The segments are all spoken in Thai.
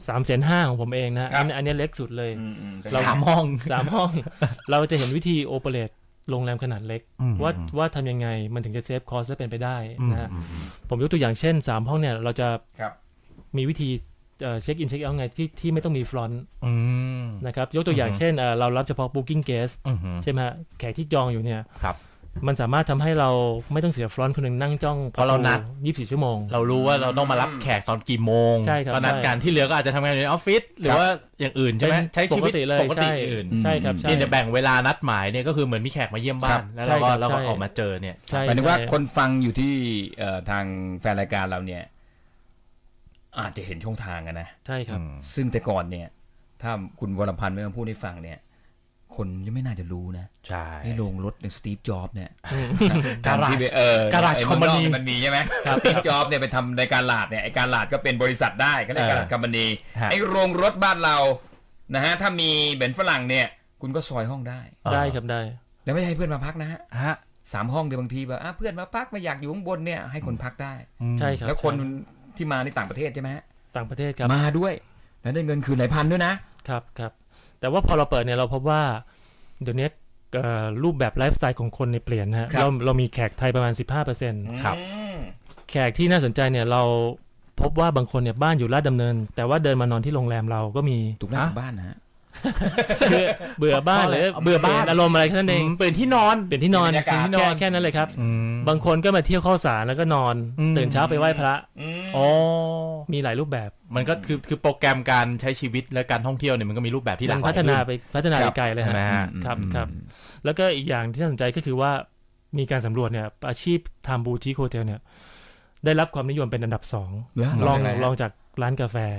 350,000ของผมเองนะอันนี้เล็กสุดเลยเรา3 ห้องเราจะเห็นวิธีโอเปเรตโรงแรมขนาดเล็กว่าทำยังไงมันถึงจะเซฟคอสและเป็นไปได้นะฮะผมยกตัวอย่างเช่น3 ห้องเนี่ยเราจะมีวิธีเช็คอินเช็คเอาท์ไงที่ไม่ต้องมีฟรอนต์นะครับยกตัวอย่างเช่นเรารับเฉพาะ Booking Guest ใช่ไหมฮะแขกที่จองอยู่เนี่ยมันสามารถทำให้เราไม่ต้องเสียฟรอนต์คนหนึ่งนั่งจ้องเพราะเรานัด24 ชั่วโมงเรารู้ว่าเราต้องมารับแขกตอนกี่โมงก็นัดกันที่เหลือก็อาจจะทำงานอยู่ในออฟฟิศหรือว่าอย่างอื่นใช่ไหมใช้ชีวิตปกติอื่นใช่ครับที่จะแบ่งเวลานัดหมายเนี่ยก็คือเหมือนมีแขกมาเยี่ยมบ้านแล้วเราก็ออกมาเจอเนี่ยหมายถึงว่าคนฟังอยู่ที่ทางแฟนรายการเราเนี่ยอาจจะเห็นช่องทางกันนะใช่ครับซึ่งแต่ก่อนเนี่ยถ้าคุณวรพันธ์ไม่มาพูดให้ฟังเนี่ยคนยังไม่น่าจะรู้นะใช่ให้โรงรถในสตีฟจ็อบส์เนี่ยการาจคอมพานีมันมีใช่ไหมสตีฟจ็อบส์เนี่ยไปทำในการลาดเนี่ยไอการลาดก็เป็นบริษัทได้ก็เรียกการลาดคอมพานีไอโรงรถบ้านเรานะฮะถ้ามีเบนซ์ฝรั่งเนี่ยคุณก็ซอยห้องได้ครับได้แต่ไม่ให้เพื่อนมาพักนะฮะ3 ห้องเดียวบางทีแบบเพื่อนมาพักมาอยากอยู่ข้างบนเนี่ยให้คนพักได้ใช่ครับแล้วคนที่มาในต่างประเทศใช่ไหมต่างประเทศครับมาด้วยแล้วได้เงินคืนหลายพันด้วยนะครับแต่ว่าพอเราเปิดเนี่ยเราพบว่าเดี๋ยวนี้รูปแบบไลฟ์สไตล์ของคนในเปลี่ยนนะฮะเรามีแขกไทยประมาณ 15% ครับแขกที่น่าสนใจเนี่ยเราพบว่าบางคนเนี่ยบ้านอยู่ลาดดำเนินแต่ว่าเดินมานอนที่โรงแรมเราก็มีถูกนะบ้านนะฮะเบื่อบ้านเลยเบื่อบ้านอารมณ์อะไรแค่นั้นเองเปลี่ยนที่นอนแค่นั้นเลยครับบางคนก็มาเที่ยวเข้าสารแล้วก็นอนตื่นเช้าไปไหว้พระมีหลายรูปแบบมันก็คือโปรแกรมการใช้ชีวิตและการท่องเที่ยวเนี่ยมันก็มีรูปแบบที่หลากหลายพัฒนาไปไกลเลยครับแล้วก็อีกอย่างที่น่าสนใจก็คือว่ามีการสำรวจเนี่ยอาชีพทำบูติคโฮเทลเนี่ยได้รับความนิยมเป็นอันดับ2รองจากร้านกาแฟ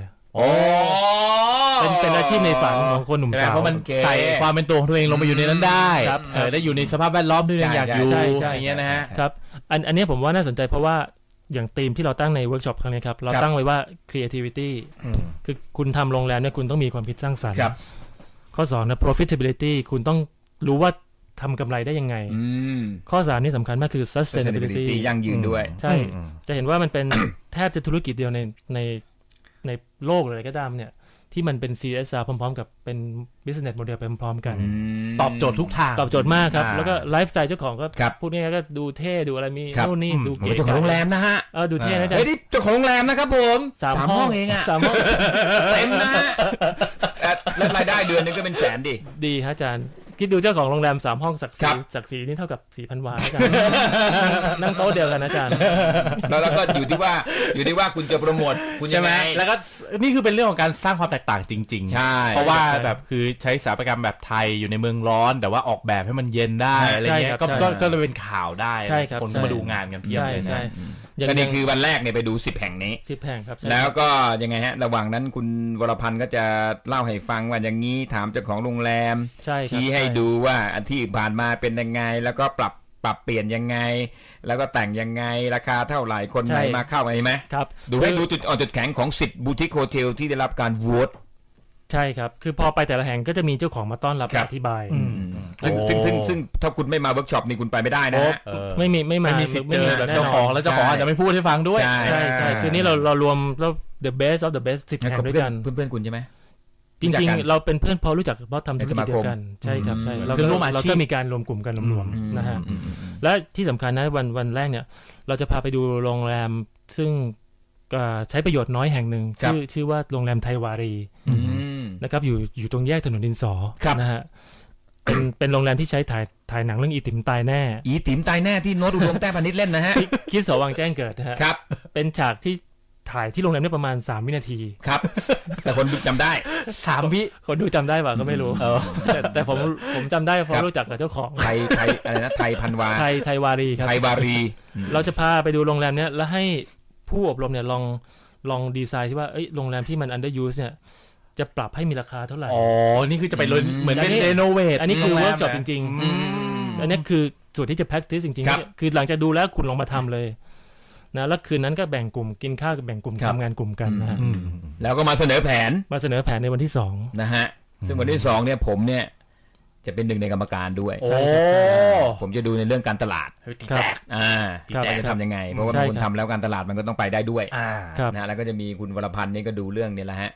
เป็นอาชีพในฝันของคนหนุ่มสาวเพราะมันใส่ความเป็นตัวของตัวเองลงไปอยู่ในนั้นได้ได้อยู่ในสภาพแวดล้อมที่อยากอยู่อย่างเงี้ยนะฮะครับอันนี้ผมว่าน่าสนใจเพราะว่าอย่างธีมที่เราตั้งในเวิร์กช็อปครั้งนี้ครับเราตั้งไว้ว่า creativity คือคุณทำโรงแรมเนี่ยคุณต้องมีความคิดสร้างสรรค์ข้อ2นะ profitability คุณต้องรู้ว่าทำกำไรได้ยังไงข้อ3นี่สำคัญมากคือ sustainability ยั่งยืนด้วยใช่จะเห็นว่ามันเป็นแทบจะธุรกิจเดียวในโลกเลยก็ตามเนี่ยที่มันเป็น CSR พร้อมๆกับเป็น business model ไปพร้อมๆกันตอบโจทย์ทุกทางตอบโจทย์มากครับแล้วก็ไลฟ์สไตล์เจ้าของก็พูดง่ายๆก็ดูเท่ดูอะไรมีนู่นนี่ดูเก๋เจ้าของโรงแรมนะฮะดูเท่นะจ๊ะเฮ้ยนี่เจ้าของโรงแรมนะครับผม3 ห้องเองอ่ะ 3 ห้องเต็มนะแล้วรายได้เดือนนึงก็เป็นแสนดีฮะอาจารย์คิดดูเจ้าของโรงแรม3 ห้องศักดิ์ศรีนี่เท่ากับ 4,000 วาอาจารย์นั่งโต๊ะเดียวกันอาจารย์แล้วก็อยู่ที่ว่าคุณจะโปรโมทคุณยังไงแล้วก็นี่คือเป็นเรื่องของการสร้างความแตกต่างจริงๆใช่เพราะว่าแบบคือใช้สถาปัตยกรรมแบบไทยอยู่ในเมืองร้อนแต่ว่าออกแบบให้มันเย็นได้อะไรเงี้ยก็เลยเป็นข่าวได้คนก็มาดูงานกันเพียบเลยนะก็นี่คือวันแรกเนี่ยไปดู10 แห่งนี้ 10 แห่งครับแล้วก็ยังไงฮะระหว่างนั้นคุณวรพันธ์ก็จะเล่าให้ฟังว่าอย่างนี้ถามเจ้าของโรงแรมชี้ให้ดูว่าอันที่ผ่านมาเป็นยังไงแล้วก็ปรับเปลี่ยนยังไงแล้วก็แต่งยังไงราคาเท่าไหร่คนไหนมาเข้าอะไรไหมครับดูให้ดูจุดอ่อนจุดแข็งของ10บูติคโฮเทลที่ได้รับการโหวตใช่ครับคือพอไปแต่ละแห่งก็จะมีเจ้าของมาต้อนรับอธิบายซึ่งถ้าคุณไม่มาเวิร์กช็อปนี่คุณไปไม่ได้นะฮะไม่มีสิทธิ์เจอเจ้าของแล้วเจ้าของอาจจะไม่พูดให้ฟังด้วยใช่คือนี่เรารวมแล้ว the best of the best 10 แห่งด้วยกันเพื่อนคุณใช่ไหมจริงๆเราเป็นเพื่อนเพราะรู้จักเพราะทำธุรกิจเดียวกันใช่ครับใช่เราก็มีการรวมกลุ่มกันรวมๆนะฮะและที่สำคัญนะวันแรกเนี่ยเราจะพาไปดูโรงแรมซึ่งใช้ประโยชน์น้อยแห่งหนึ่งชื่อว่าโรงแรมไทยวารีนะครับอยู่ตรงแยกถนนดินสอนะฮะเป็นโรงแรมที่ใช้ถ่ายหนังเรื่องอีติ๋มตายแน่ที่โน้ตอุดมแต้พานิชเล่นนะฮะคิดสวังแจ้งเกิดนะฮะครับเป็นฉากที่ถ่ายที่โรงแรมได้ประมาณ3 วินาทีครับแต่คนดูจำได้ 3 วิคนดูจำได้ป่ะก็ไม่รู้แต่ผมจำได้เพราะรู้จักกับเจ้าของไทยอะไรนะไทยพันวาไทยวารีครับไทยวารีเราจะพาไปดูโรงแรมเนี้ยแล้วให้ผู้อบรมเนี่ยลองดีไซน์ที่ว่าโรงแรมที่มัน under use เนี่ยจะปรับให้มีราคาเท่าไหร่นี่คือจะไปเหมือนเป็นรีโนเวทอันนี้คือเวิร์กช็อปจริงๆอันนี้คือส่วนที่จะ practice จริงๆคือหลังจากดูแล้วคุณลองมาทำเลยนะแล้วคืนนั้นก็แบ่งกลุ่มกินข้าวกับแบ่งกลุ่มทำงานกลุ่มกันนะฮะแล้วก็มาเสนอแผนในวันที่2 นะฮะซึ่งวันที่2เนี่ยผมเนี่ยจะเป็นหนึ่งในกรรมการด้วยผมจะดูในเรื่องการตลาดจะทำยังไงเพราะว่าคุณทำแล้วการตลาดมันก็ต้องไปได้ด้วยนะแล้วก็จะมีคุณวรพันธ์นี่ก็ดูเรื่องนี่แหละฮะ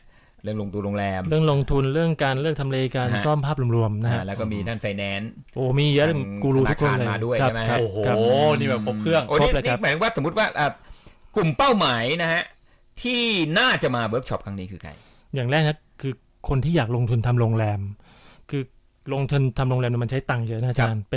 เรื่องลงทุนโรงแรมเรื่องลงทุนเรื่องการเลือกทำเลการซ่อมภาพรวมๆนะฮะแล้วก็มีท่านไฟแนนซ์โอ้มีเยอะกูรูทุกคนเลยมาด้วยใช่ไหมโอ้โหนี่แบบครบเครื่องครบเลยครับหมายว่าสมมติว่ากลุ่มเป้าหมายนะฮะที่น่าจะมาเวิร์กช็อปครั้งนี้คือใครอย่างแรกนะคือคนที่อยากลงทุนทำโรงแรมคือลงทุนทำโรงแรมมันใช้ตังค์เยอะนะอาจารย์เป็น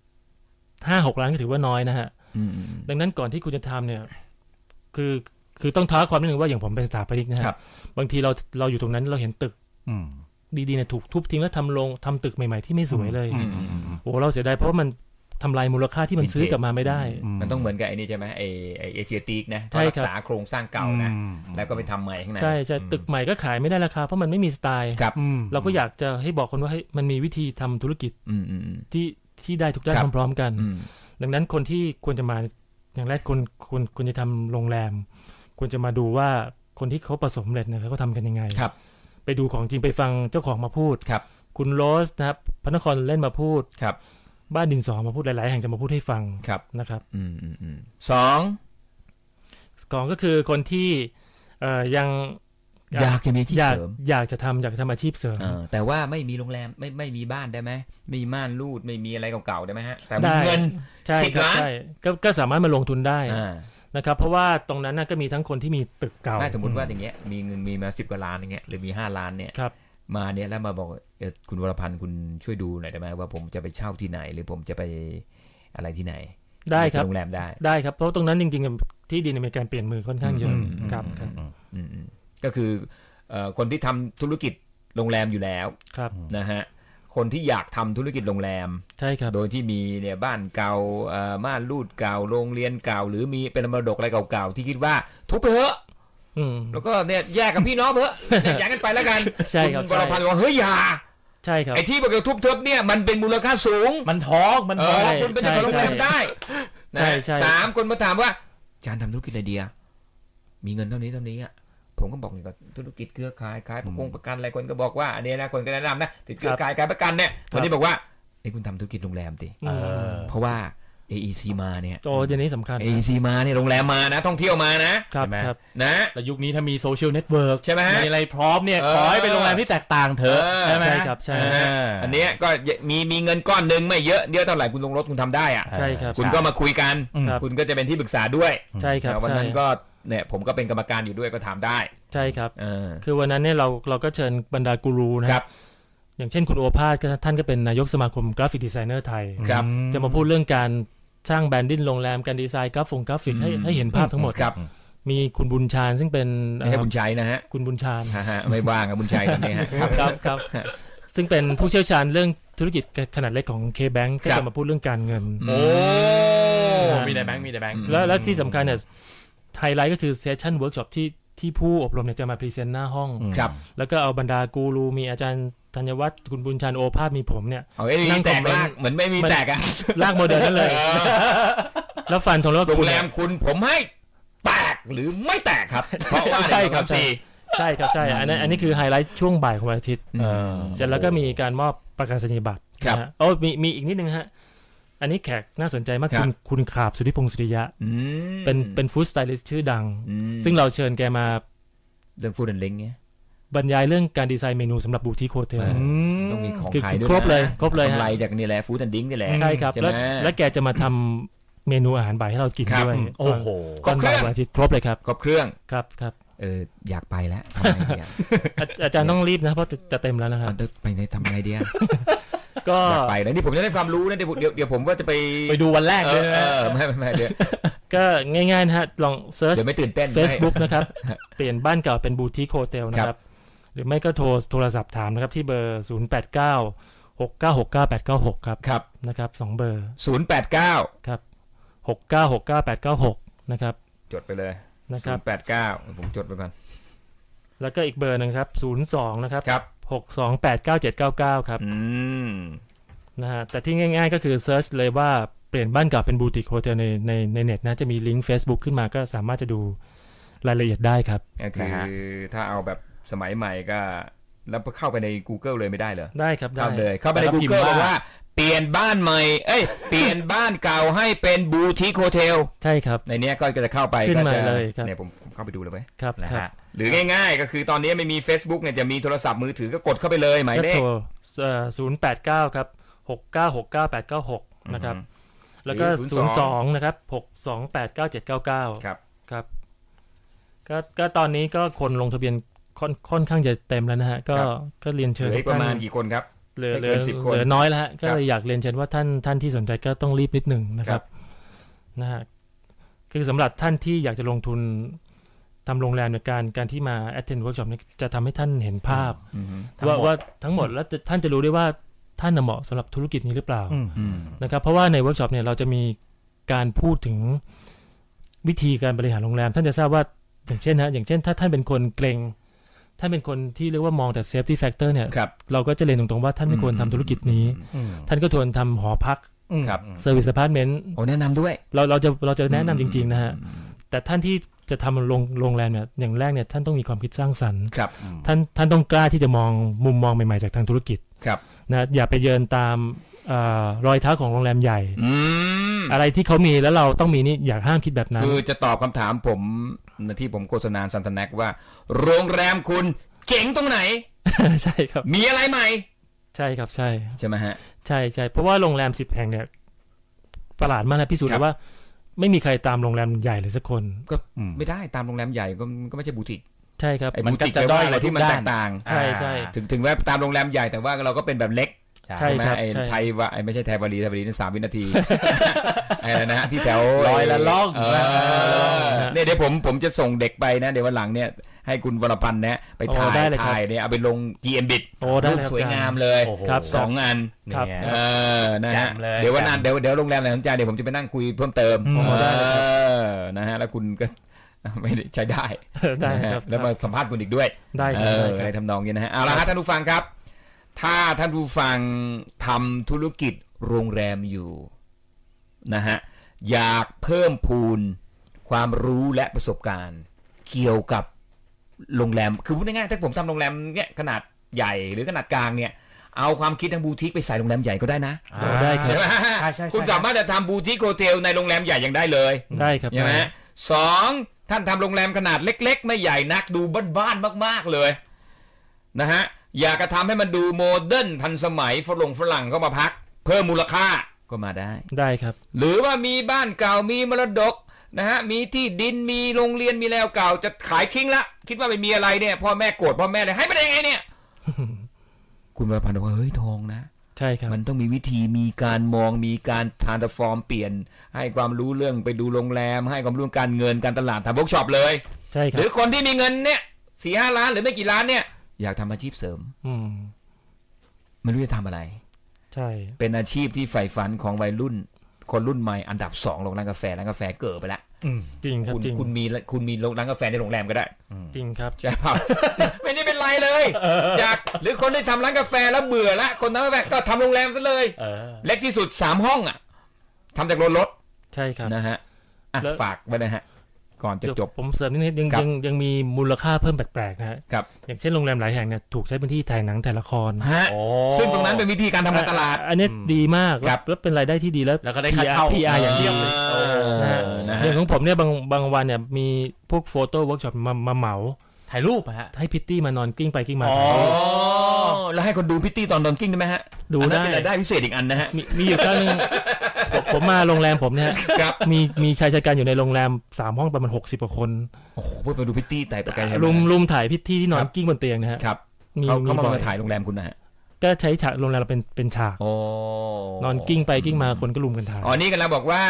5-6 ล้านก็ถือว่าน้อยนะฮะดังนั้นก่อนที่คุณจะทำเนี่ยคือต้องท้าความนิดนึงว่าอย่างผมเป็นสถาปนิกนะฮะบางทีเราอยู่ตรงนั้นเราเห็นตึกดีๆเนี่ยถูกทุบทิ้งแล้วทำตึกใหม่ๆที่ไม่สวยเลยโอ้เราเสียดายเพราะว่ามันทำลายมูลค่าที่มันซื้อกลับมาไม่ได้มันต้องเหมือนกับไอ้นี่ใช่ไหมไอเอเชียติกนะรักษาโครงสร้างเก่านะแล้วก็ไปทำใหม่ข้างในใช่ตึกใหม่ก็ขายไม่ได้ราคาเพราะมันไม่มีสไตล์เราก็อยากจะให้บอกคนว่าให้มันมีวิธีทำธุรกิจที่ได้ทุกด้านพร้อมๆกันดังนั้นคนที่ควรจะมาอย่างแรกควรจะทำโรงแรมควรจะมาดูว่าคนที่เขาประสบความสำเร็จเนี่ยเขาทำกันยังไงไปดูของจริงไปฟังเจ้าของมาพูดคุณโรสนะครับพระนครเล่นมาพูดบ้านดินสอมาพูดหลายๆแห่งจะมาพูดให้ฟังนะครับสองก็คือคนที่ยังอยากจะมีอาชีพเสริมอยากจะทำอาชีพเสริมแต่ว่าไม่มีโรงแรมไม่มีบ้านได้ไหมไม่มีม่านรูดไม่มีอะไรเก่าๆได้ไหมฮะแต่มีเงิน10 ล้านก็สามารถมาลงทุนได้นะครับเพราะว่าตรงนั้นก็มีทั้งคนที่มีตึกเก่าสมมติว่าอย่างเงี้ยมีเงินมีมา10 กว่าล้านอย่างเงี้ยหรือมี5 ล้านเนี่ยมาเนี่ยแล้วมาบอกคุณวรพันธ์คุณช่วยดูหน่อยได้ไหมว่าผมจะไปเช่าที่ไหนหรือผมจะไปอะไรที่ไหนได้ครับโรงแรมได้ครับเพราะตรงนั้นจริงๆที่ดินมีการเปลี่ยนมือค่อนข้างเยอะครับก็คือคนที่ทำธุรกิจโรงแรมอยู่แล้วนะฮะคนที่อยากทำธุรกิจโรงแรมใช่ครับโดยที่มีเนี่ยบ้านเก่าม่านรูดเก่าโรงเรียนเก่าหรือมีเป็นมรดกอะไรเก่าๆที่คิดว่าทุบไปเถอะแล้วก็เนี่ยแยกกับพี่น้องเถอะแยกกันไปแล้วกันใช่ครับวรพันธ์บอกเฮ้ยอย่าใช่ครับไอ้ที่บอกว่าทุบเถอะเนี่ยมันเป็นมูลค่าสูงมันท้องคุณเป็นเจ้าของโรงแรมได้3 คนมาถามว่าอาจารย์ทำธุรกิจอะไรดีมีเงินเท่านี้อ่ะผมก็บอกนี่ก็ธุรกิจเครือข่ายขายประกันอะไรคนก็บอกว่าอันนี้นะคนก็แนะนำนะติดเครือข่ายขายประกันเนี่ยคนนี้บอกว่านี่คุณทำธุรกิจโรงแรมสิเพราะว่า AEC มาเนี่ยโอ้เดี๋ยวนี้สำคัญ AEC มาเนี่ยโรงแรมมานะท่องเที่ยวมานะครับนะแล้วยุคนี้ถ้ามีโซเชียลเน็ตเวิร์กใช่ไหมมีอะไรพร้อมเนี่ยขอให้เป็นโรงแรมที่แตกต่างเถอะใช่ไหมครับใช่อันนี้ก็มีเงินก้อนนึงไม่เยอะเท่าไหร่คุณลงรถคุณทำได้ใช่ครับคุณก็มาคุยกันคุณก็จะเป็นที่ปรึกษาด้วยใช่ครับวันนั้นก็เนี่ยผมก็เป็นกรรมการอยู่ด้วยก็ถามได้ใช่ครับคือวันนั้นเนี่ยเราก็เชิญบรรดากูรูนะครับอย่างเช่นคุณโอภาสท่านก็เป็นนายกสมาคมกราฟิกดีไซเนอร์ไทยจะมาพูดเรื่องการสร้างแบรนดิ้งโรงแรมการดีไซน์กราฟิกให้เห็นภาพทั้งหมดมีคุณบุญชาญซึ่งเป็นไม่ใช่บุญชัยนะฮะคุณบุญชาญไม่ว่างกับบุญชัยตอนนี้ครับซึ่งเป็นผู้เชี่ยวชาญเรื่องธุรกิจขนาดเล็กของ K-Bank ก็จะมาพูดเรื่องการเงินโอ้มีแต่แบงค์แล้วที่สำคัญเนี่ยไฮไลท์ก็คือเซสชั่นเวิร์กช็อปที่ผู้อบรมเนี่ยจะมาพรีเซนต์หน้าห้องแล้วก็เอาบรรดากูรูมีอาจารย์ธัญวัฒน์คุณบุญชันโอภาสมีผมเนี่ยนั่งแตกลากเหมือนไม่มีแตกลากโมเดลนั่นเลยแล้วฟันธงแล้วโรงแรมคุณผมให้แตกหรือไม่แตกครับเพราะว่าใช่ครับใช่ครับใช่อันนี้คือไฮไลท์ช่วงบ่ายของวันอาทิตย์เสร็จแล้วก็มีการมอบประกาศนียบัตรโอ้มีอีกนิดนึงฮะอันนี้แขกน่าสนใจมากคุณขาบสุทธิพงศ์สุริยะเป็นฟู้ดสไตลิสต์ชื่อดังซึ่งเราเชิญแกมาเรื่องฟู้ดแอนด์ลิงก์เนี่ยบรรยายเรื่องการดีไซน์เมนูสำหรับบูติกโฮเทลต้องมีของขายด้วยครบเลยฮะกำไรจากนี่แหละฟู้ดแอนด์ลิงก์นี่แหละใช่ครับแล้วแกจะมาทำเมนูอาหารบ่ายให้เรากินด้วยโอ้โหครบเครื่องครบเลยครับครบเครื่องครับอยากไปแล้วอาจารย์ต้องรีบนะเพราะจะเต็มแล้วนะครับไปในทำไงดีก็ไปแล้วนี่ผมจะได้ความรู้นะเดี๋ยวผมก็จะไปดูวันแรกเลยไม่เดี๋ยวก็ง่ายๆนะฮะลองเซิร์ชไม่ตื่นเต้น Facebook นะครับเปลี่ยนบ้านเก่าเป็นบูติกโฮเทลนะครับหรือไม่ก็โทรศัพท์ถามนะครับที่เบอร์0896969896ครับนะครับ2เบอร์ 089 ครับ6969896นะครับจดไปเลยนะครับ 089ผมจดไปก่อนแล้วก็อีกเบอร์นึงครับ02นะครับ6289799ครับนะฮะแต่ที่ง่ายๆก็คือเซิร์ชเลยว่าเปลี่ยนบ้านเก่าเป็นบูติกโฮเทลในเน็ตนะจะมีลิงก์ Facebook ขึ้นมาก็สามารถจะดูรายละเอียดได้ครับคือถ้าเอาแบบสมัยใหม่ก็แล้วเข้าไปใน Google เลยไม่ได้เหรอได้ครับได้เข้าไปใน Google เลยว่าเปลี่ยนบ้านใหม่เปลี่ยนบ้านเก่าให้เป็นบูติกโฮเทลใช่ครับในนี้ก็จะเข้าไปขึ้นมาเลยครับเนี่ยผมเข้าไปดูเลยไหมครับนะฮะหรือง่ายๆก็คือตอนนี้ไม่มี Facebook เนี่ยจะมีโทรศัพท์มือถือก็กดเข้าไปเลยหมายเลข 089ครับ6969896นะครับแล้วก็02นะครับ6289799ครับก็ตอนนี้ก็คนลงทะเบียนค่อนข้างจะเต็มแล้วนะฮะก็เรียนเชิญประมาณกี่คนครับเหลือน้อยแล้วฮะก็เลยอยากเรียนเชิญว่าท่านที่สนใจก็ต้องรีบนิดนึงนะครับนะฮะคือสำหรับท่านที่อยากจะลงทุนทำโรงแรมในการที่มา attend workshop นี้จะทำให้ท่านเห็นภาพว่าทั้งหมดแล้วท่านจะรู้ได้ว่าท่านเหมาะสำหรับธุรกิจนี้หรือเปล่านะครับเพราะว่าในเวิร์กช็อปเนี่ยเราจะมีการพูดถึงวิธีการบริหารโรงแรมท่านจะทราบว่าอย่างเช่นถ้าท่านเป็นคนเกรงท่านเป็นคนที่เรียกว่ามองแต่ safety factor เนี่ยเราก็จะเรียนตรงๆว่าท่านไม่ควรทำธุรกิจนี้ท่านก็ควรทำหอพัก service apartment แนะนำด้วยเราจะแนะนำจริงๆนะฮะแต่ท่านที่จะทำโรงแรมเนี่ยอย่างแรกเนี่ยท่านต้องมีความคิดสร้างสรรค์ท่านต้องกล้าที่จะมองมุมมองใหม่ๆจากทางธุรกิจนะอย่าไปเยินตามรอยเท้าของโรงแรมใหญ่อะไรที่เขามีแล้วเราต้องมีนี่อยากห้ามคิดแบบนั้นคือจะตอบคำถามผมที่ผมโฆษณาซันตาแนกว่าโรงแรมคุณเจ๋งตรงไหนใช่ครับมีอะไรใหม่ใช่ครับใช่ไหมฮะใช่เพราะว่าโรงแรม10 แห่งเนี่ยประหลาดมากนะพิสูจน์เลยว่าไม่มีใครตามโรงแรมใหญ่เลยสักคนก็ไม่ได้ตามโรงแรมใหญ่ก็ไม่ใช่บูติกใช่ครับมันก็จะด้อยอะไรที่มันแตกต่างใช่ถึงว่าตามโรงแรมใหญ่แต่ว่าเราก็เป็นแบบเล็กใช่ครับไทยว่าไม่ใช่ไทยวารีนั่น3 วินาทีอะไรนะที่แถวลอยละล่องเนี่ยเดี๋ยวผมจะส่งเด็กไปนะเดี๋ยววันหลังเนี่ยให้คุณวรพันธ์เนี่ยไปถ่ายเนี่ยเอาไปลง GMBit รูปสวยงามเลย2 อันนะฮะเดี๋ยววันนั้นเดี๋ยวโรงแรมไหนสนใจเดี๋ยวผมจะไปนั่งคุยเพิ่มเติมนะฮะแล้วคุณก็ไม่ใช้ได้ครับแล้วมาสัมภาษณ์คุณอีกด้วยได้อะไรทำนองนี้นะฮะเอาละครับท่านผู้ฟังครับถ้าท่านผู้ฟังทำธุรกิจโรงแรมอยู่นะฮะอยากเพิ่มพูนความรู้และประสบการณ์เกี่ยวกับโรงแรมคือพูดง่ายๆถ้าผมทำโรงแรมเนี่ยขนาดใหญ่หรือขนาดกลางเนี่ยเอาความคิดทางบูติกไปใส่โรงแรมใหญ่ก็ได้นะได้ครับคุณสามารถจะทำบูติกโฮเทลในโรงแรมใหญ่ยังได้เลยได้ครับใช่ไหม2ท่านทำโรงแรมขนาดเล็กๆไม่ใหญ่นักดูบ้านๆมากๆเลยนะฮะอยากจะทำให้มันดูโมเดิร์นทันสมัยฝรั่งเข้ามาพักเพิ่มมูลค่าก็มาได้ครับหรือว่ามีบ้านเก่ามีมรดกนะฮะมีที่ดินมีโรงเรียนมีแล้วเก่าจะขายทิ้งละคิดว่าไม่มีอะไรเนี่ยพ่อแม่โกรธพ่อแม่เลยให้ไปได้ไงเนี่ย คุณวรพันธ์บอกว่าเฮ้ยทองนะใช่ครับมันต้องมีวิธีมีการมองมีการทรานส์ฟอร์มเปลี่ยนให้ความรู้เรื่องไปดูโรงแรมให้ความรู้การเงินการตลาดทำเวิร์กช็อปเลยใช่ครับหรือคนที่มีเงินเนี่ย 4-5 ล้านหรือไม่กี่ล้านเนี่ยอยากทำอาชีพเสริมไม่รู้จะทำอะไรใช่เป็นอาชีพที่ใฝ่ฝันของวัยรุ่นคนรุ่นใหม่อันดับ2โรงร้านกาแฟเกิดไปแล้วจริงครับจริงคุณมีร้านกาแฟในโรงแรมก็ได้จริงครับใช่ครับไม่ได้เป็นไรเลยจากหรือคนที่ทำร้านกาแฟแล้วเบื่อละคนทำกาแฟก็ทำโรงแรมซะเลยเล็กที่สุด3 ห้องอ่ะทำจากรถใช่ครับนะฮะฝากไว้นะฮะก่อนจะจบผมเสริมนิดยังมีมูลค่าเพิ่มแปลกๆนะฮะอย่างเช่นโรงแรมหลายแห่งเนี่ยถูกใช้พื้นที่ถ่ายหนังถ่ายละครซึ่งตรงนั้นเป็นวิธีการทำการตลาดอันนี้ดีมากแล้วเป็นรายได้ที่ดีแล้วก็ได้ค่าเช่า PR อย่างเดียวเลยอย่างของผมเนี่ยบางวันเนี่ยมีพวกโฟโต้เวิร์กช็อปมาเหมาถ่ายรูปฮะให้พิตตี้มานอนกิ้งไปกิ้งมาแล้วให้คนดูพิตตี้ตอนนอนกิ้งได้ไหมฮะดูได้เป็นรายได้พิเศษอีกอันนะฮะมีอยู่ครั้งนึงผมมาโรงแรมผมเนี่ยมีชายชะกันอยู่ในโรงแรม3 ห้องประมาณ60 กว่าคนโอ้โหไปดูพิตตี้แต่ประกันรุมถ่ายพิตตี้ที่นอนกิ้งบนเตียงนะฮะเขามาถ่ายโรงแรมคุณนะฮะก็ใช้ฉากโรงแรมเราเป็นฉากนอนกิ้งไปกิ้งมาคนก็รุมกันถ่ายนี่กันแล้วบอกว่า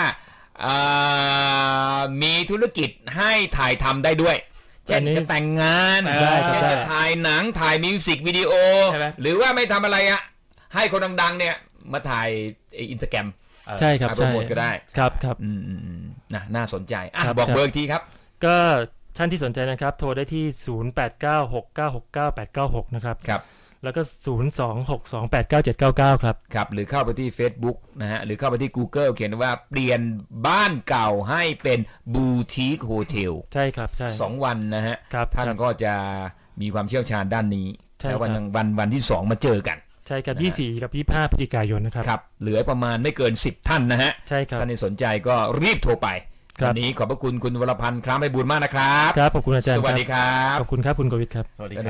มีธุรกิจให้ถ่ายทำได้ด้วยจะแต่งงานจะถ่ายหนังถ่ายมิวสิกวิดีโอหรือว่าไม่ทำอะไรอ่ะให้คนดังๆเนี่ยมาถ่ายInstagram ใช่ครับโปรโมทก็ได้ครับน่าสนใจบอกเบอร์ทีครับก็ท่านที่สนใจนะครับโทรได้ที่0896969896นะครับแล้วก็026289799 ครับหรือเข้าไปที่ Facebook นะฮะหรือเข้าไปที่ Google เขียนว่าเปลี่ยนบ้านเก่าให้เป็นบูติกโฮเทลใช่ครับใช่ 2 วันนะฮะท่านก็จะมีความเชี่ยวชาญด้านนี้แล้ววันที่2มาเจอกันใช่ครับ24กับ25พฤศจิกายนนะครับครับเหลือประมาณไม่เกิน10ท่านนะฮะใช่ครับท่านที่สนใจก็รีบโทรไปวันนี้ขอบพระคุณคุณวรพันธ์คล้ามไพบูลย์มากนะครับครับขอบคุณอาจารย์สวัสดีครับขอบคุณครับคุณกวิทย์ครับสวัสดี